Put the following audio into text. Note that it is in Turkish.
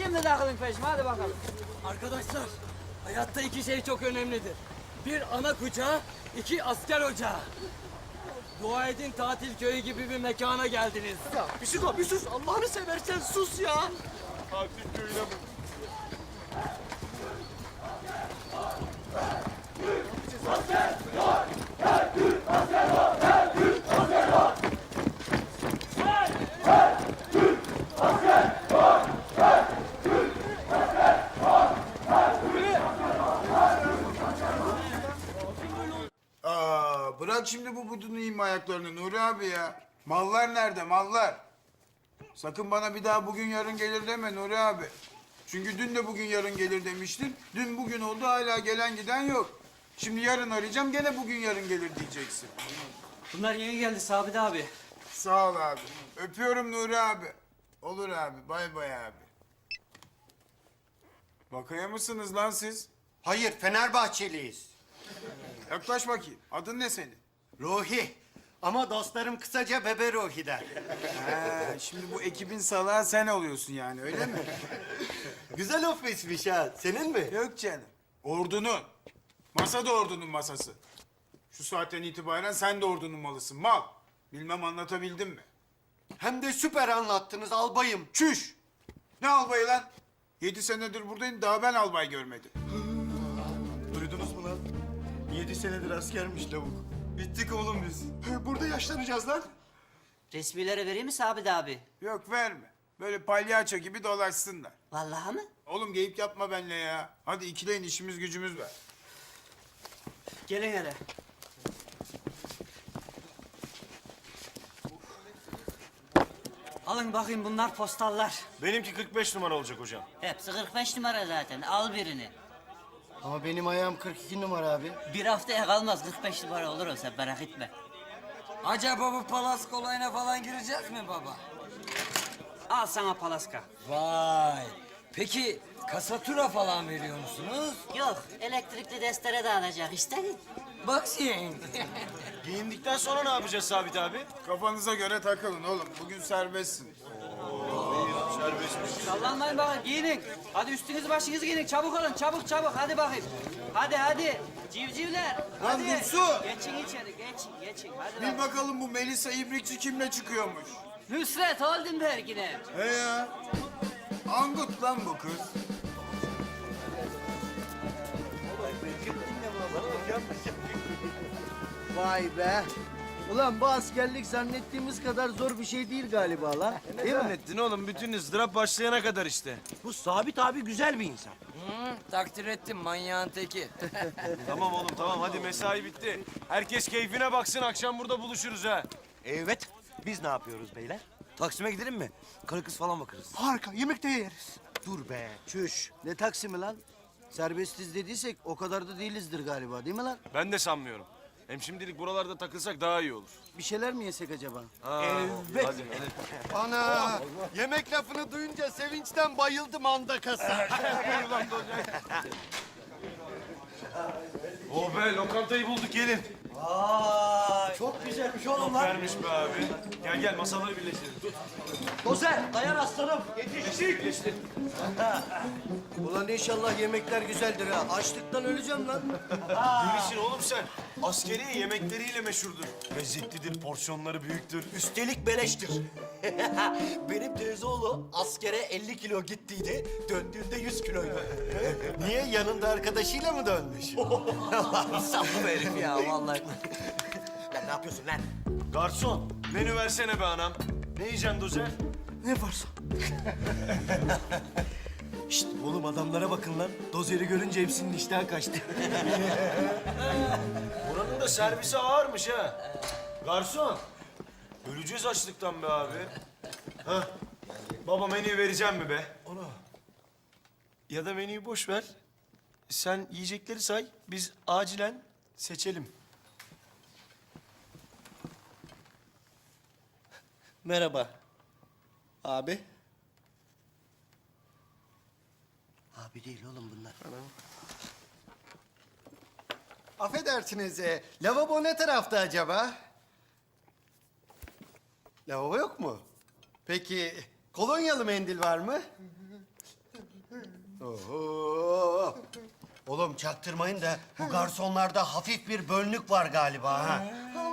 Şimdi takılın peşime, hadi bakalım. Arkadaşlar, hayatta iki şey çok önemlidir. Bir ana kucağı, iki asker ocağı. Dua edin tatil köyü gibi bir mekana geldiniz. Ya Büsiko bir sus. Allah'ını seversen sus ya. Tatil köyüne mi? Bırak şimdi bu budunu yiyeyim ayaklarını Nuri abi ya. Mallar nerede mallar? Sakın bana bir daha bugün yarın gelir deme Nuri abi. Çünkü dün de bugün yarın gelir demiştin. Dün bugün oldu hala gelen giden yok. Şimdi yarın arayacağım gene bugün yarın gelir diyeceksin. Bunlar yeni geldi Sabit abi. Sağ ol abi. Öpüyorum Nuri abi. Olur abi bay bay abi. Bakaya mısınız lan siz? Hayır Fenerbahçeliyiz. Yaklaş bakayım. Adın ne senin? Ruhi. Ama dostlarım kısaca Bebe Ruhi der. Şimdi bu ekibin salağı sen oluyorsun yani öyle mi? Güzel ofismiş ha. Senin mi? Yok canım. Ordunun. Masa da ordunun masası. Şu saatten itibaren sen de ordunun malısın. Mal. Bilmem anlatabildim mi? Hem de süper anlattınız albayım. Çüş. Ne albayı lan? 7 senedir buradayım daha ben albay görmedim. Duydunuz mu lan? 7 senedir askermiş lavuk. Bittik oğlum biz. Burada yaşlanacağız lan. Resmilere vereyim mi Sabit abi? Yok verme. Böyle palyaço gibi dolaşsınlar. Vallahi mı? Oğlum geyip yapma benimle ya. Hadi ikileyin işimiz gücümüz var. Gelin hele. Alın bakayım bunlar postallar. Benimki 45 numara olacak hocam. Hepsi 45 numara zaten. Al birini. Ama benim ayağım 42 numara abi. Bir haftaya kalmaz 45 numara olur o sen merak etme. Acaba bu palas kolayına falan gireceğiz mi baba? Al sana palaska. Vay. Peki kasatura falan veriyor musunuz? Yok elektrikli destere de alacak işte. Bak sen. Giyindikten sonra ne yapacağız Sabit abi? Kafanıza göre takılın oğlum. Bugün serbestsiniz. Serbestmiş. Sallanmayın bakın giyinin. Hadi üstünüzü başınızı giyinin çabuk olun çabuk çabuk hadi bakayım. Hadi civcivler. Hadi. Dursun! Geçin içeri geçin hadi Bir lan. bakalım bu Melisa İbrikçi kimle çıkıyormuş? Nusret Oldenberg'ine. He ya. Angut lan bu kız. Vay be. Ulan bu askerlik zannettiğimiz kadar zor bir şey değil galiba lan. Değil mi? Zannettin oğlum bütün ızdırap başlayana kadar işte. Bu Sabit abi güzel bir insan. Takdir ettim manyağın teki. Tamam oğlum tamam hadi mesai bitti. Herkes keyfine baksın akşam burada buluşuruz ha. Evet. Biz ne yapıyoruz beyler? Taksim'e gidelim mi? Karı kız falan bakarız. Harika. Yemekte yeriz. Dur be. Çüş. Ne Taksim'i lan? Serbestiz dediysek o kadar da değilizdir galiba değil mi lan? Ben de sanmıyorum. Hem şimdilik buralarda takılsak daha iyi olur. Bir şeyler mi yesek acaba? Evet. Hadi. Ana. Yemek lafını duyunca sevinçten bayıldım anda kasa. Oh be lokantayı bulduk gelin. Çok güzelmiş Çok oğlum lan. vermiş be abi. Gel masaları birleştirelim. Tut. Dozer, dayan aslanım. Birleştir. Ulan inşallah yemekler güzeldir ha. Açlıktan öleceğim lan. Bilirsin oğlum sen. Askeri yemekleriyle meşhurdur. Lezzetlidir, porsiyonları büyüktür. Üstelik beleştir. Benim teyzeoğlu askere 50 kilo gittiydi. Döndüğünde 100 kiloydu. Niye? Yanında arkadaşıyla mı dönmüş? Saplı herif ya vallahi. Ya ne yapıyorsun lan? Garson, menü versene be anam. Ne yiyeceksin Dozer? Ne varsa. Şşt oğlum adamlara bakın lan. Dozeri görünce hepsinin iştahı kaçtı. Buranın da servisi ağırmış ha. Garson, öleceğiz açlıktan be abi. Hah, baba menüyü vereceğim mi be? Ona. Ya da menüyü boş ver. Sen yiyecekleri say, biz acilen seçelim. Merhaba. Abi. Abi değil oğlum bunlar. Affedersiniz, lavabo ne tarafta acaba? Lavabo yok mu? Peki kolonyalı mendil var mı? Oğlum çaktırmayın da bu garsonlarda hafif bir bölünük var galiba ha.